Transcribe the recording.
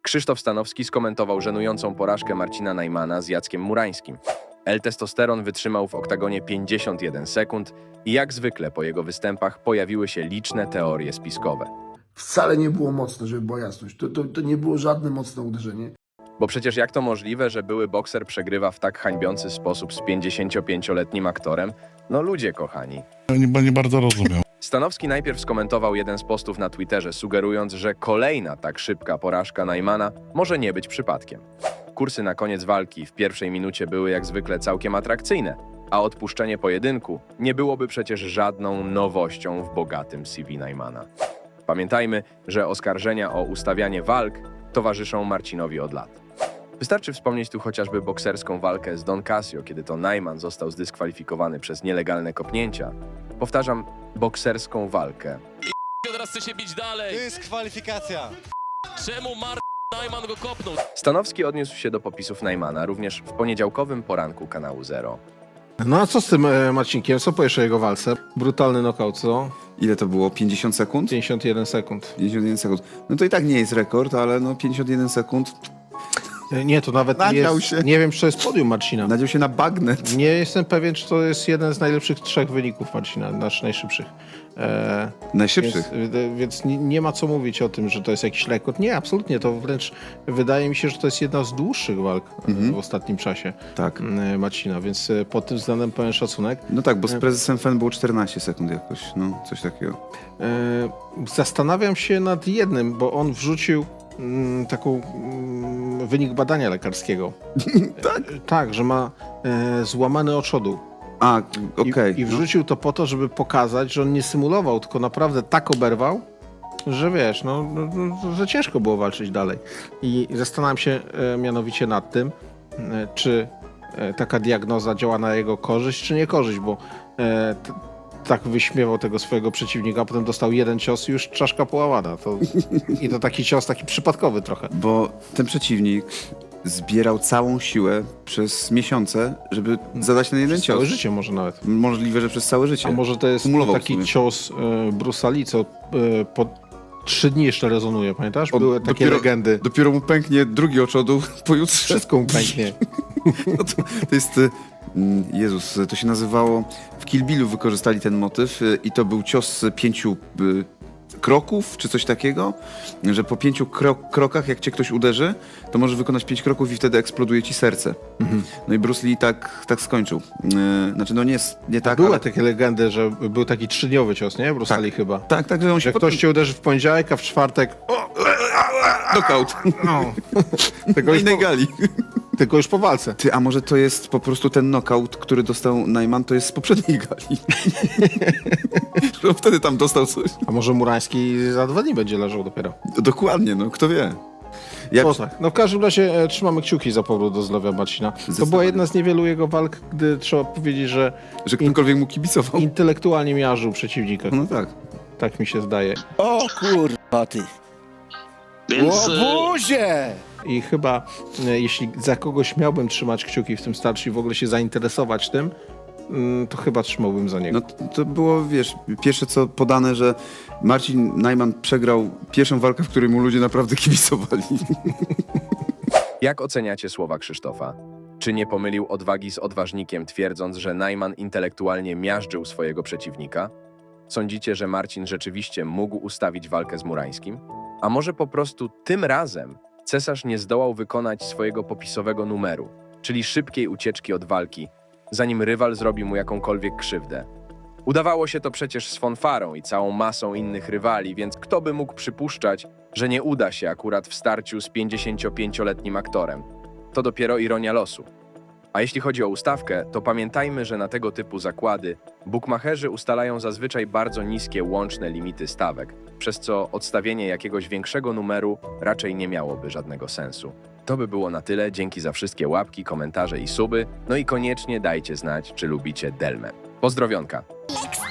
Krzysztof Stanowski skomentował żenującą porażkę Marcina Najmana z Jackiem Murańskim. L-Testosteron wytrzymał w oktagonie 51 sekund i jak zwykle po jego występach pojawiły się liczne teorie spiskowe. Wcale nie było mocne, żeby była jasność. To nie było żadne mocne uderzenie. Bo przecież jak to możliwe, że były bokser przegrywa w tak hańbiący sposób z 55-letnim aktorem? No ludzie kochani. Nie bardzo rozumiał. Stanowski najpierw skomentował jeden z postów na Twitterze, sugerując, że kolejna tak szybka porażka Najmana może nie być przypadkiem. Kursy na koniec walki w pierwszej minucie były jak zwykle całkiem atrakcyjne, a odpuszczenie pojedynku nie byłoby przecież żadną nowością w bogatym CV Najmana. Pamiętajmy, że oskarżenia o ustawianie walk towarzyszą Marcinowi od lat. Wystarczy wspomnieć tu chociażby bokserską walkę z Don Casio, kiedy to Najman został zdyskwalifikowany przez nielegalne kopnięcia. Powtarzam, bokserską walkę. Teraz chce się bić dalej. To jest kwalifikacja. Czemu Najman go kopnął? Stanowski odniósł się do popisów Najmana również w poniedziałkowym poranku kanału Zero. No a co z tym Marcinkiem? Co powiesz o jego walce? Brutalny knockout, co? Ile to było? 50 sekund? 51 sekund. 51 sekund. No to i tak nie jest rekord, ale no 51 sekund. Nie, to nawet Nadział jest, się. nie wiem, czy to jest podium Marcina. Nadział się na bagnet. Nie jestem pewien, czy to jest jeden z najlepszych 3 wyników Marcina, znaczy najszybszych. Najszybszych. Więc nie ma co mówić o tym, że to jest jakiś rekord. Nie, absolutnie. To wręcz wydaje mi się, że to jest jedna z dłuższych walk w ostatnim czasie Tak. Marcina, więc pod tym względem pełen szacunek. No tak, bo z prezesem FEN było 14 sekund jakoś, no coś takiego. Zastanawiam się nad jednym, bo on wrzucił wynik badania lekarskiego. Tak? Tak, że ma złamany oczodu. A, okej. I wrzucił to po to, żeby pokazać, że on nie symulował, tylko naprawdę tak oberwał, że wiesz, że ciężko było walczyć dalej. I zastanawiam się mianowicie nad tym, czy taka diagnoza działa na jego korzyść, czy nie korzyść, bo tak wyśmiewał tego swojego przeciwnika, a potem dostał jeden cios i już czaszka połamana. I to taki cios, taki przypadkowy trochę. Bo ten przeciwnik zbierał całą siłę przez miesiące, żeby zadać ten jeden cios. Całe życie może nawet. Możliwe, że przez całe życie. A może to jest Kumulował w taki sumie. cios Bruce'a Lee, co po 3 dni jeszcze rezonuje, pamiętasz? Były takie legendy. Dopiero mu pęknie drugi oczodu pojutrze. Wszystko mu pęknie. No to jest... Jezus, to się nazywało... W Kill Billu wykorzystali ten motyw i to był cios z 5 kroków, czy coś takiego, że po 5 krokach, jak cię ktoś uderzy, to możesz wykonać 5 kroków i wtedy eksploduje ci serce. No i Bruce Lee tak skończył. Znaczy, no nie tak, Były ale... takie legendy, że był taki 3-dniowy cios, nie? Bruce'a Lee chyba. Tak, że on się Że ktoś cię uderzy w poniedziałek, a w czwartek... knockout. No. Na innej gali. Tylko już po walce. Ty, a może to jest po prostu ten knockout, który dostał Najman, to jest z poprzedniej gali. Że on wtedy tam dostał coś. A może Murański za 2 dni będzie leżał dopiero. Dokładnie, no kto wie. No tak. No w każdym razie trzymamy kciuki za powrót do zdrowia Marcina. To była jedna z niewielu jego walk, gdy trzeba powiedzieć, że Że ktokolwiek mu kibicował. intelektualnie miażdżył przeciwnika. No tak. Tak mi się zdaje. O kurwa ty. Więc Łobuzie! I chyba jeśli za kogoś miałbym trzymać kciuki w tym starciu i w ogóle się zainteresować tym, to chyba trzymałbym za niego. No to było, wiesz, pierwsze co podane, że Marcin Najman przegrał pierwszą walkę, w której mu ludzie naprawdę kibicowali. Jak oceniacie słowa Krzysztofa? Czy nie pomylił odwagi z odważnikiem, twierdząc, że Najman intelektualnie miażdżył swojego przeciwnika? Sądzicie, że Marcin rzeczywiście mógł ustawić walkę z Murańskim? A może po prostu tym razem cesarz nie zdołał wykonać swojego popisowego numeru, czyli szybkiej ucieczki od walki, zanim rywal zrobi mu jakąkolwiek krzywdę? Udawało się to przecież z Fonfarą i całą masą innych rywali, więc kto by mógł przypuszczać, że nie uda się akurat w starciu z 55-letnim aktorem? To dopiero ironia losu. A jeśli chodzi o ustawkę, to pamiętajmy, że na tego typu zakłady bukmacherzy ustalają zazwyczaj bardzo niskie łączne limity stawek, przez co odstawienie jakiegoś większego numeru raczej nie miałoby żadnego sensu. To by było na tyle, dzięki za wszystkie łapki, komentarze i suby, no i koniecznie dajcie znać, czy lubicie Delmę. Pozdrowionka!